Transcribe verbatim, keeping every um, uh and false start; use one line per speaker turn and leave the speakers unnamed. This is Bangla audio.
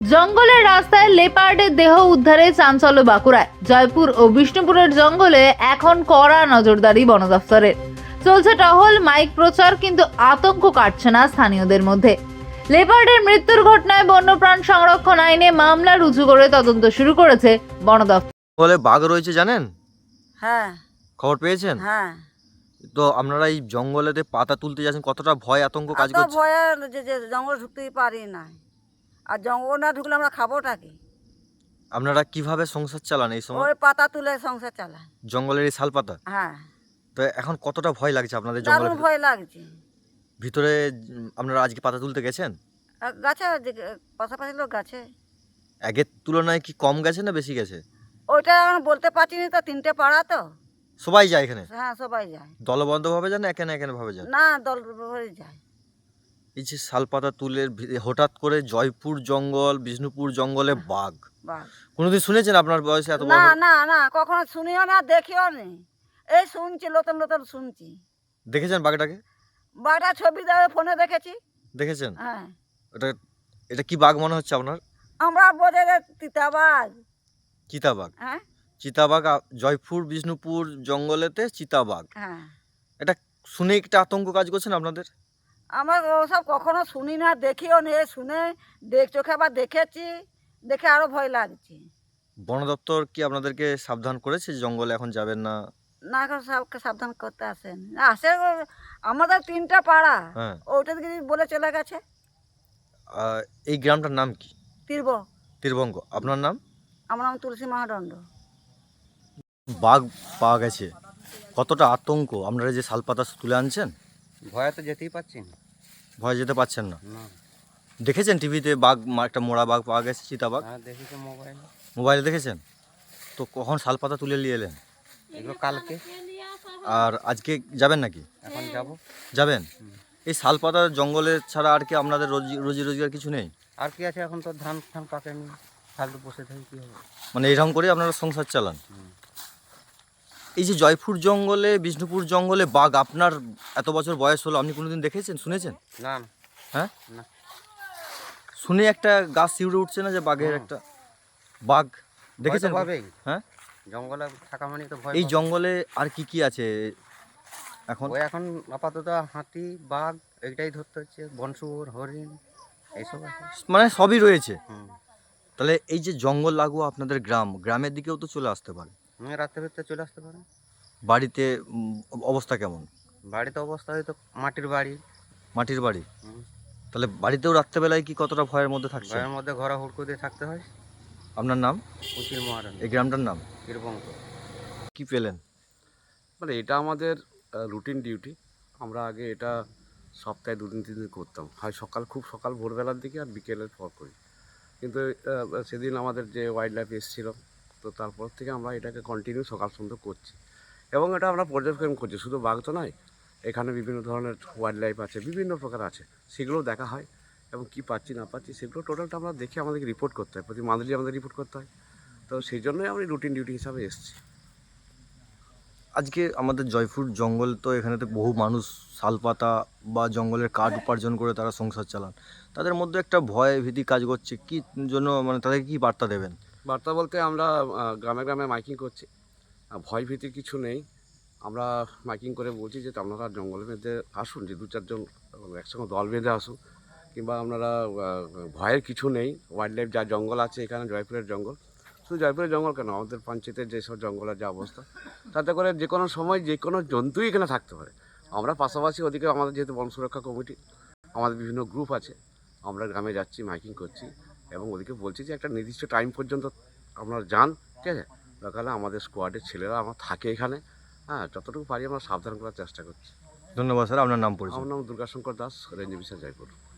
জঙ্গলের রাস্তায় লেপার্ডের দেহ উদ্ধারে চাঞ্চল্য বাঁকুড়ায়। জয়পুর ও বিষ্ণুপুরের জঙ্গলে এখন কড়া নজরদারি বন দফতরের। চলছে টহল, মাইক প্রচার, কিন্তু আতঙ্ক কাটছে না স্থানীয়দের মধ্যে। লেপার্ডের মৃত্যুর ঘটনায় বন্যপ্রাণ সংরক্ষণ আইনে মামলা রুজু করে তদন্ত শুরু করেছে বন দফতর।
বলে বাঘ রয়েছে জানেন?
হ্যাঁ
খবর পেয়েছেন?
হ্যাঁ
তো আপনারা এই জঙ্গলেতে পাতা তুলতে যাচ্ছেন, কতটা ভয় আতঙ্ক কাজ
এত
করছে?
ভয়ে যে যে জঙ্গল ঢুকতেই পারি না, আর জঙ্গল না ঢুকলে আমরা খাবোটা কি?
আপনারা কিভাবে সংসার চালান এই সময়?
ওই পাতা তুলে সংসার চালায়।
জঙ্গলের এই শাল পাতা।
হ্যাঁ,
তো এখন কতটা ভয় লাগছে আপনাদের
দারুণ
জঙ্গলের
ভয় লাগছে।
ভিতরে? উম, আপনারা আজকে পাতা তুলতে গেছেন?
আর গাছে যে- পাশাপাশি লোক গাছে,
আগের তুলনায় কি কম গেছে না বেশি গেছে?
ওইটা এখন বলতে পারছি না, তো তিনটে পাড়া তো।
সবাই যায় এখানে?
হ্যাঁ, সবাই যায়।
দলবদ্ধভাবে যান না একেন একেন ভাবে যান?
না, দল হয়ে যায়।
এই যে শাল পাতা তুলে ভি- হঠাৎ করে জয়পুর জঙ্গল, বিষ্ণুপুর জঙ্গলে বাঘ,
বাঘ।
কোনোদিন শুনেছেন আপনার বয়সে এত বড়
না
হলো?
না না, কখনো শুনিও না, দেখিও নি। এই শুনছি, নতুন নতুন শুনছি।
দেখেছেন বাঘটাকে?
বাঘটা ছবি দেবে ফোনে দেখেছি।
দেখেছেন?
হ্যাঁ,
এটা এটা কি বাঘ মনে হচ্ছে আপনার?
আমরা বোঝে যে তিতাবাঘ।
চিতাবাঘ।
হ্যাঁ
চিতাবাঘ আ- জয়পুর বিষ্ণুপুর জঙ্গলেতে চিতাবাঘ।
হ্যাঁ,
এটা শুনে একটা আতঙ্ক কাজ করছেন আপনাদের?
আমরা ওসব কখনো শুনি না, দেখিও নে, শুনে দেখ চোখে আবার দেখেছি, দেখে আরো ভয় লাগছে।
বন দপ্তর কি আপনাদেরকে সাবধান করেছে যে জঙ্গলে এখন যাবেন না?
না, এখন সবকে সাবধান করতে আসেন, আসে ও- আমাদের তিনটা পাড়া,
হ্যাঁ।
ওইটা দিকে বলে চলে গেছে।
আহ, এই গ্রামটার নাম কি?
তীর্ব।
তীরবঙ্গ। আপনার নাম?
আমার নাম তুলসী মহাদণ্ড।
বাঘ পাওয়া গেছে, কতটা আতঙ্ক? আপনারা যে শালপাতা তুলে আনছেন,
ভয়ে তো যেতেই পারছি না।
ভয় যেতে পারছেন না?
না,
দেখেছেন টিভিতে বাঘ, মা- একটা মোড়া বাঘ পাওয়া গেছে, চিতাবাঘ?
হ্যাঁ দেখেছি মোবাইলে।
মোবাইলে দেখেছেন? তো কখন শালপাতা তুলে নিয়ে এলেন?
এগুলো কালকে।
আর আজকে যাবেন নাকি?
এখন যাব।
যাবেন? এই শালপাতা জঙ্গলে ছাড়া আর কি আপনাদের রোজি রোজি রোজগার কিছু নেই?
আর কি আছে, এখন তো ধান ফান পাকেনি, ফালতু বসে থাকি কী হবে।
মানে এরকম করে আপনারা সংসার চালান? এই যে জয়পুর জঙ্গলে, বিষ্ণুপুর জঙ্গলে বাঘ, আপনার এত বছর বয়স হলো, আপনি কোনোদিন দেখেছেন, শুনেছেন?
না না,
হ্যাঁ,
না।
শুনে একটা গাছ শিউরে উঠছে না যে বাঘের একটা বাঘ দেখেছেন?
ভয় তো পাবেই।
হ্যাঁ,
জঙ্গলে থাকা মানে তো ভয়
এই
পাবে।
জঙ্গলে আর কি কি আছে এখন?
ওই এখন আপাতত হাতি, বাঘ এইটাই ধরতে হচ্ছে, বনশুয়োর, হরিণ এইসব আছে।
মানে সবই রয়েছে।
হুম,
তাহলে এই যে জঙ্গল লাগোয়া আপনাদের গ্রাম, গ্রামের দিকেও তো চলে আসতে পারে।
হুম, রাত্রে ভিতরে চলে আসতে পারে।
বাড়িতে উম, অবস্থা কেমন?
বাড়িতে অবস্থা হয়তো মাটির বাড়ি।
মাটির বাড়ি।
হুম,
তাহলে বাড়িতেও রাত্রেবেলায় কি কতটা ভয়ের মধ্যে থাকছে?
ঘরের মধ্যে ঘোরা হুড়কো দিয়ে থাকতে হয়।
আপনার নাম?
উচির মহারান,
এই গ্রামটার নাম
বীরবঙ্গ।
কি পেলেন?
মানে এটা আমাদের রুটিন ডিউটি। আমরা আগে এটা সপ্তাহে দুদিন তিন দিন করতাম, হয় সকাল, খুব সকাল ভোরবেলার দিকে, আর বিকেলের পর করি। কিন্তু আহ, সেদিন আমাদের যে ওয়াইল্ড লাইফ এসেছিল, তো তারপর থেকে আমরা এটাকে কন্টিনিউ সকাল সন্ধ্যা করছি, এবং এটা আমরা পর্যবেক্ষণ করছি। শুধু বাঘ তো নয়, এখানে বিভিন্ন ধরনের ওয়াইল্ড লাইফ আছে, বিভিন্ন প্রকার আছে, সেগুলো দেখা হয়, এবং কি পাচ্ছি না পাচ্ছি সেগুলো টোটালটা আমরা দেখে আমাদেরকে রিপোর্ট করতে হয়, প্রতি মান্থলি আমাদের রিপোর্ট করতে হয়। তো সেই জন্যই আমি রুটিন ডিউটি হিসাবে এসেছি।
আজকে আমাদের জয়পুর জঙ্গল, তো এখানেতে বহু মানুষ শালপাতা বা জঙ্গলের কাঠ উপার্জন করে তারা সংসার চালান, তাদের মধ্যে একটা ভয় ভীতি কাজ করছে, কি জন্য, মানে তাদেরকে কি বার্তা দেবেন?
বার্তা বলতে আমরা আহ, গ্রামে গ্রামে মাইকিং করছি। আহ, ভয় ভীতির কিছু নেই। আমরা মাইকিং করে বলছি যে আপনারা জঙ্গলের মধ্যে আসুন, যে দু চারজন একসঙ্গে দল বেঁধে আসুন, কিংবা আপনারা আহ, ভয়ের কিছু নেই। ওয়াইল্ড লাইফ যা জঙ্গল আছে এখানে, জয়পুরের জঙ্গল, শুধু জয়পুরের জঙ্গল কেন, আমাদের পঞ্চায়েতের যেসব জঙ্গলের যা অবস্থা, তাতে করে যে কোনো সময় যে কোনো জন্তুই এখানে থাকতে পারে। আমরা পাশাপাশি ওদিকে আমাদের যেহেতু বন সুরক্ষা কমিটি, আমাদের বিভিন্ন গ্রুপ আছে, আমরা গ্রামে যাচ্ছি, মাইকিং করছি, এবং ওদিকে বলছি যে একটা নির্দিষ্ট টাইম পর্যন্ত আপনারা যান, ঠিক আছে? দরকার হলে আমাদের স্কোয়াডের ছেলেরা আমরা থাকে এখানে, হ্যাঁ, যতটুকু পারি আমরা সাবধান করার চেষ্টা করছি।
ধন্যবাদ স্যার। আপনার নাম পরিচয়?
আমার নাম দুর্গাশঙ্কর দাস, রেঞ্জ অফিসার জয়পুর।